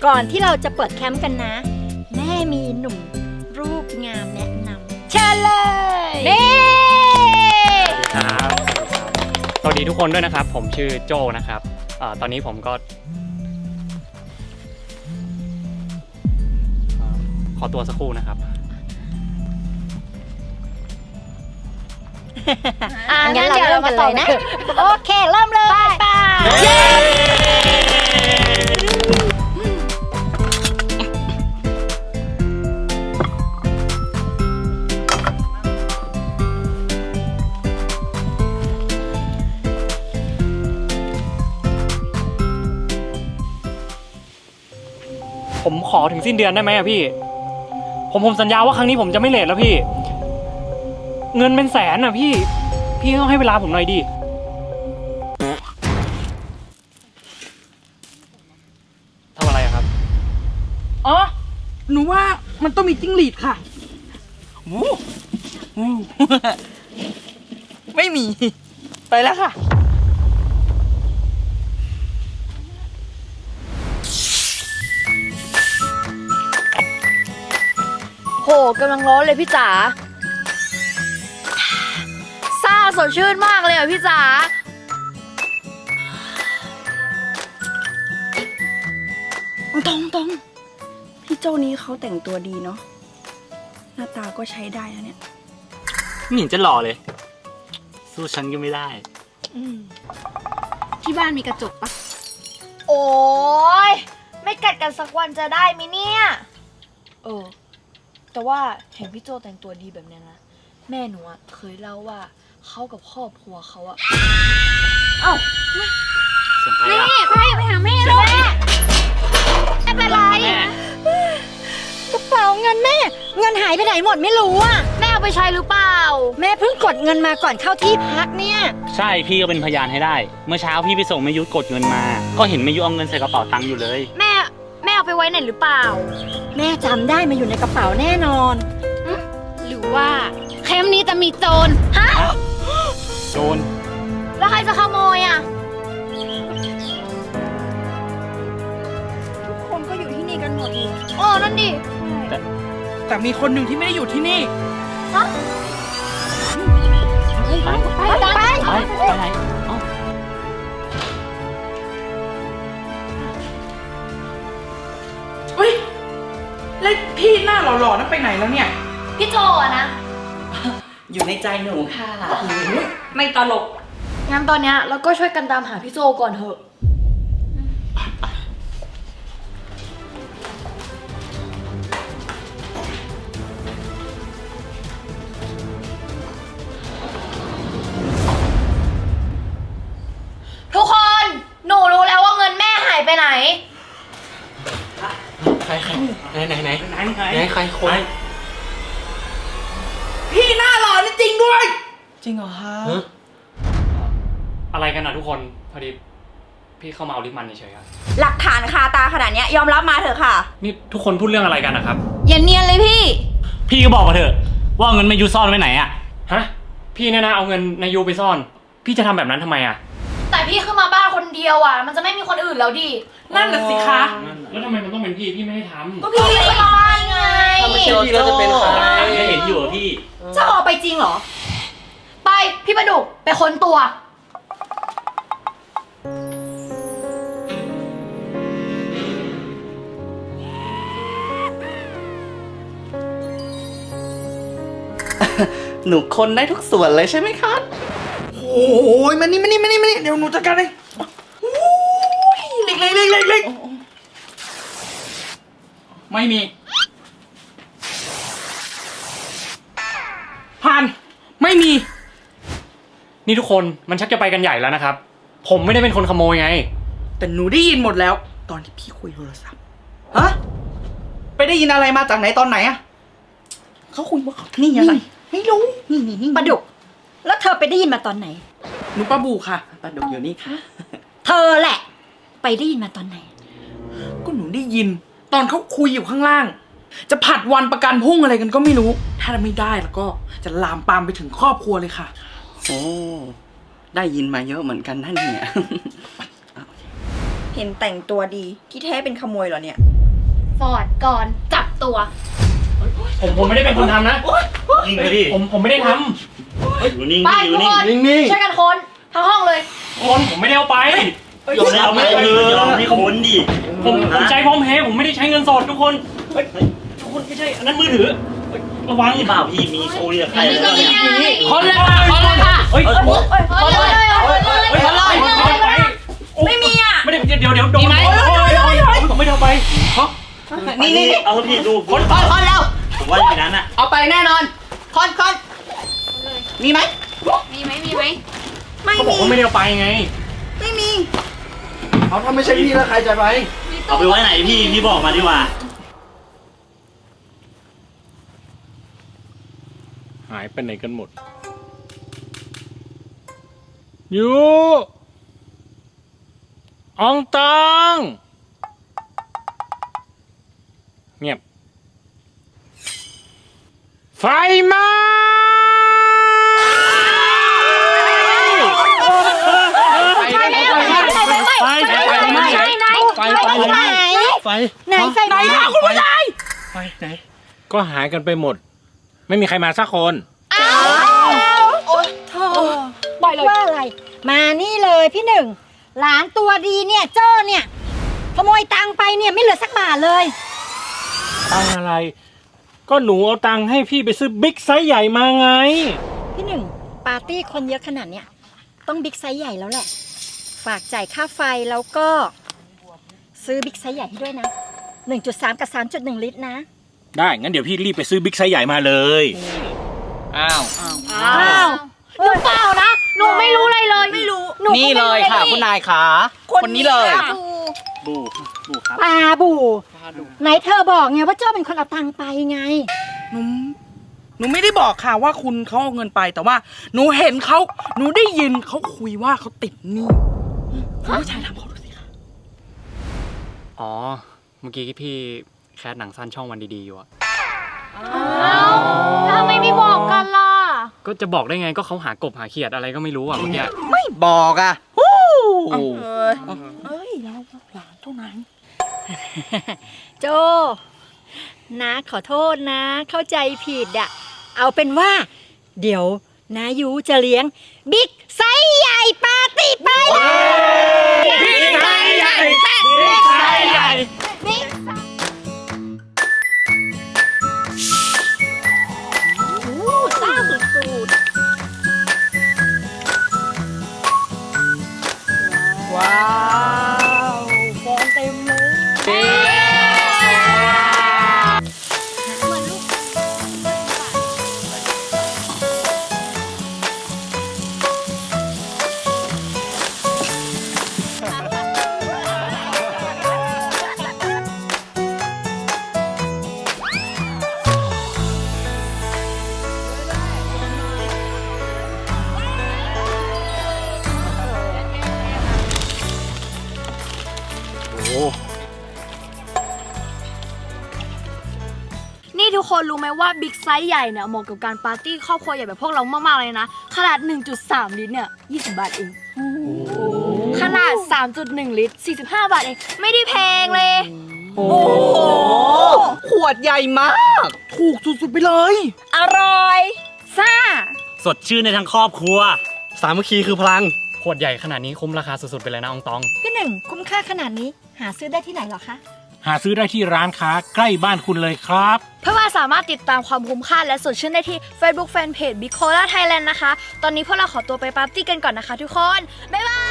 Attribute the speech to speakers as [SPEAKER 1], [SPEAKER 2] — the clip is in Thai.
[SPEAKER 1] ก่อนที่เราจะเปิดแคมป์กันนะแม่มีหนุ่มรูปงามแนะนำเชิญเลยนี่
[SPEAKER 2] ครับสวัสดีทุกคนด้วยนะครับผมชื่อโจนะครับตอนนี้ผมก็ขอตัวสักครู่นะครับ
[SPEAKER 1] งั้นเราเริ่มกันเลยนะโอเคเริ่มเลยไป
[SPEAKER 2] ผมขอถึงสิ้นเดือนได้ไหมอะพี่ผมสัญญาว่าครั้งนี้ผมจะไม่เลทแล้วพี่เงินเป็นแสนอะพี่ต้องให้เวลาผมหน่อยดิทำอะไรอะครับ
[SPEAKER 3] อ๋อหนูว่ามันต้องมีจิ้งหรีดค่ะไม่มีไปแล้วค่ะ
[SPEAKER 4] โหกำลังร้อนเลยพี่จ๋าซ่าสดชื่นมากเลยอ่ะพี่จ๋า
[SPEAKER 3] ตรงพี่เจ้านี้เขาแต่งตัวดีเนาะหน้าตาก็ใช้ได้นะเนี่ย
[SPEAKER 2] ไม่เห็นจะหล่อเลยสู้ฉันก็ไม่ได้
[SPEAKER 4] ที่บ้านมีกระจกปะโอ้ยไม่กัดกันสักวันจะได้ไหมเนี่ยแต่ว่าเห็นพี่โจแต่งตัวดีแบบนี้นะแม่หนูอะเคยเล่าว่าเขากับครอบครัวเขาอะเอ้าแม่ไปหาแม่เลยแม่ไม่เป็นไร
[SPEAKER 1] กระเป๋าเงินแม่เงินหายไปไหนหมดไม่รู้อ่ะ
[SPEAKER 4] แม่เอาไปใช้หรือเปล่า
[SPEAKER 1] แม่เพิ่งกดเงินมาก่อนเข้าที่พักเนี่ย
[SPEAKER 2] ใช่พี่ก็เป็นพยานให้ได้เมื่อเช้าพี่ไปส่งแม่ยุทธกดเงินมาก็เห็นแม่ยุทธเอาเงินใส่กระเป๋าตังค์อยู่เลย
[SPEAKER 4] แม่เอาไปไว้ไหนหรือเปล่า
[SPEAKER 1] แม่จำได้มาอยู่ในกระเป๋าแน่นอน
[SPEAKER 4] หรือว่าแคมป์นี้จะมีโจรฮะ
[SPEAKER 2] โจร
[SPEAKER 4] แล้วใครจะขโมยอ่ะ
[SPEAKER 3] ทุกคนก็อยู่ที่นี่กันหมดเลย
[SPEAKER 4] นั่นดิ
[SPEAKER 3] แต่มีคนหนึ่งที่ไม่ได้อยู่ที่นี่
[SPEAKER 4] ฮะไป
[SPEAKER 2] ไหน
[SPEAKER 3] เฮ้ยแล้วพี่หน้าหล่อๆนั่นไปไหนแล้วเนี่ย
[SPEAKER 4] พี่โจอะนะ
[SPEAKER 3] อยู่ในใจหนูค่ะไม่ตลก
[SPEAKER 4] งั้นตอนเนี้ยเราก็ช่วยกันตามหาพี่โจก่อนเถอะทุกคนหนูรู้แล้วว่าเงินแม่หายไปไหน
[SPEAKER 2] ใครไหนใครคน
[SPEAKER 3] พี่หน้าหล่อนี่จริงด้วยจริงเหรอคะ
[SPEAKER 2] อะไรกันนะทุกคนพอดีพี่เข้ามาเอาลิปมันเฉยๆครับ
[SPEAKER 3] หลักฐานคาตาขนาดนี้ยอมรับมาเถอะค่ะ
[SPEAKER 2] นี่ทุกคนพูดเรื่องอะไรกันนะครับ
[SPEAKER 4] อย่าเนียนเลย
[SPEAKER 2] พี่ก็บอกมาเถอะว่าเงินแม่ยูซ่อนไว้ไหนอะฮะพี่เนี่ยนะเอาเงินนายยูไปซ่อนพี่จะทำแบบนั้นทำไมอะ
[SPEAKER 4] แต่พี่ขึ้นมาบ้านคนเดียวอ่ะมันจะไม่มีคนอื่นแล้วดิ
[SPEAKER 3] นั่นน่ะสิคะ
[SPEAKER 2] แล้วทำไมมันต้องเป็นพี่ไม่ได้ทำ
[SPEAKER 4] ก็พี่ขึ้นมาบ้านไง
[SPEAKER 2] ถ้าไม่ใช่พี่แล้วจะเป็นใครไม่เห็นอยู่อะพี่
[SPEAKER 4] จะออกไปจริงเหรอไปพี่ประดุกไปค้นตัว
[SPEAKER 3] หนูคนได้ทุกส่วนเลยใช่ไหมคะโอ้ยมานี่เดี๋ยวหนูจัดการเลยเล็กไม่มีผ่านไม่มี
[SPEAKER 2] นี่ทุกคนมันชักจะไปกันใหญ่แล้วนะครับผมไม่ได้เป็นคนขโมยไง
[SPEAKER 3] แต่หนูได้ยินหมดแล้วตอนที่พี่คุยโทรศัพท์ฮะไปได้ยินอะไรมาจากไหนตอนไหนอะเขาคุยว่านี่อะไรไม่รู้
[SPEAKER 1] นี่ปลาดุกแล้วเธอไปได้ยินมาตอนไหน
[SPEAKER 3] หนูปลาบูค่ะปลาดุกอยู่นี่ค่ะ
[SPEAKER 1] เธอแหละไปได้ยินมาตอนไหน
[SPEAKER 3] ก็หนูได้ยินตอนเขาคุยอยู่ข้างล่างจะผัดวันประกันพรุ่งอะไรกันก็ไม่รู้ถ้าไม่ได้แล้วก็จะลามปามไปถึงครอบครัวเลยค่ะโอ้ได้ยินมาเยอะเหมือนกันนั่นเนี่ยเห็นแต่งตัวดีที่แท้เป็นขโมยเหรอเนี่ย
[SPEAKER 4] ฟอร์ดก่อนจับตัว
[SPEAKER 2] ผมไม่ได้เป็นคนทำนะ
[SPEAKER 5] นิ่งเลยพี่
[SPEAKER 2] ผมไม่ได้ท
[SPEAKER 5] อยู่นิ่ง
[SPEAKER 4] ไป
[SPEAKER 5] พี่อ
[SPEAKER 4] ทุ
[SPEAKER 5] ยู่
[SPEAKER 4] ก
[SPEAKER 5] นิ่ง
[SPEAKER 4] คนช่วยกันค้นทั้งห้องเลย
[SPEAKER 2] ำคนผมไม่ได้เอาไป
[SPEAKER 5] ยอมเอาไม่ยอมให้ค้นดิ
[SPEAKER 2] ผมใช้พร้อมเพย์ผมไม่ได้ใช้เงินสดทุกคนเฮ้ยทุกคนไม่ใช่อันนั้นมือถือเฮ้ยระวัง
[SPEAKER 5] นี่เปล่าพี่มีโชว์เรียกใครแล้วเนี่ย
[SPEAKER 3] คนเลยค่ะคนเลยค่ะ
[SPEAKER 2] เฮ้ย
[SPEAKER 5] เฮ้ย
[SPEAKER 4] ค้นเลย
[SPEAKER 2] ไม่มีอ่ะไม่ได้เดี๋ยวโดนผมไม่ได้เอาไป
[SPEAKER 3] นี่
[SPEAKER 5] เอาพี่ดู
[SPEAKER 3] คนแล้ว
[SPEAKER 5] ผมว่าอย่างนั้นอ่ะ
[SPEAKER 3] เอาไปแน่นอนคนมีไหม
[SPEAKER 4] มีไหมมีไหม
[SPEAKER 2] เขาบอกว่าไม่ได้เอาไปไง
[SPEAKER 3] ไม่มี
[SPEAKER 6] เอาถ้าไม่ใช่พี่แล้วใครจะไป
[SPEAKER 5] เอาไปไว้ไหนพี่บอกมาดีกว่า
[SPEAKER 2] หายไปไหนกันหมดยูอองตองเงียบไฟไหม้ก็หายกันไปหมด ไม่มีใครมาสักคน
[SPEAKER 4] ปล่อยเลย
[SPEAKER 1] ว่าอะไร มานี่เลยพี่หนึ่งหลานตัวดีเนี่ยโจ้เนี่ยขโมยตังค์ไปเนี่ยไม่เหลือสักบาทเลย
[SPEAKER 2] ตังอะไร ก็หนูเอาตังค์ให้พี่ไปซื้อบิ๊กไซส์ใหญ่มาไง
[SPEAKER 1] พี่หนึ่งปาร์ตี้คนเยอะขนาดเนี้ยต้องบิ๊กไซส์ใหญ่แล้วแหละ ฝากจ่ายค่าไฟแล้วก็ซื้อบิ๊กไซส์ใหญ่ให้ด้วยนะ 1.3 กับ 3.1 ลิตรนะ
[SPEAKER 2] ได้ งั้นเดี๋ยวพี่รีบไปซื้อบิ๊กไซส์ใหญ่มาเลย
[SPEAKER 3] อ้าว
[SPEAKER 4] อ้าวหนูเปล่านะหนูไม่รู้อะไรเลยไม่รู้
[SPEAKER 3] นี่เลยค่ะคุณนายขาคนนี้เลย
[SPEAKER 5] บูครับ
[SPEAKER 1] ปาบูไหนเธอบอกไงว่าโจ้เป็นคนเอาตังค์ไปไง
[SPEAKER 3] หนูไม่ได้บอกค่ะว่าคุณเขาเอาเงินไปแต่ว่า หนูเห็นเขาหนูได้ยินเขาคุยว่าเขาติดหนี้คุณผู้ชายทำเขาดูสิค่ะ
[SPEAKER 2] อ๋อ เมื่อกี้พี่แคสหนังสั้นช่องวันดีๆอยู่อะ
[SPEAKER 4] อ้าวแล้วทำไมไม่บอกกันล่ะ
[SPEAKER 2] ก็จะบอกได้ไงก็เขาหากบหาเขียดอะไรก็ไม่รู้อะเมื่อกี้
[SPEAKER 3] ไม่บอกอ่ะเอ้ยเราหลานเท่านั้น
[SPEAKER 1] โจนะขอโทษนะ เข้าใจผิดอะเอาเป็นว่า เดี๋ยวนายูจะเลี้ยงบิ๊กไซส์ใหญ่ปาร์ตี้ไปเลย
[SPEAKER 2] บิ๊กไซส์ใหญ่บิ๊กไซส์ใหญ่
[SPEAKER 1] ซ่าสุด
[SPEAKER 3] ว้าวฟองเต็มเลย
[SPEAKER 4] นี่ทุกคนรู้ไหมว่าบิ๊กไซส์ใหญ่เนี่ยเหมาะกับการปาร์ตี้ครอบครัวใหญ่แบบพวกเรามากๆเลยนะ ขนาด 1.3 ลิตรเนี่ย20 บาทเองขนาด 3.1 ลิตร45 บาทเองไม่ได้แพงเลย
[SPEAKER 3] โอ้โหขวดใหญ่มาก ถูกสุดๆไปเลย
[SPEAKER 4] อร่อยซ่า
[SPEAKER 5] สดชื่นในทั้งครอบครัว
[SPEAKER 6] สามัคคีคือพลัง
[SPEAKER 2] ขวดใหญ่ขนาดนี้คุ้มราคาสุดๆไปเลยนะอองตอง
[SPEAKER 1] ๆพี่หนึ่งคุ้มค่าขนาดนี้หาซื้อได้ที่ไหนเหรอคะ
[SPEAKER 2] หาซื้อได้ที่ร้านค้าใกล้บ้านคุณเลยครับ
[SPEAKER 4] เพื่อมาสามารถติดตามความคุ้มค่าและสดชื่นได้ที่ Facebook Fanpage Bicola Thailand นะคะ ตอนนี้พวกเราขอตัวไปปาร์ตี้กันก่อนนะคะทุกคน บ๊ายบาย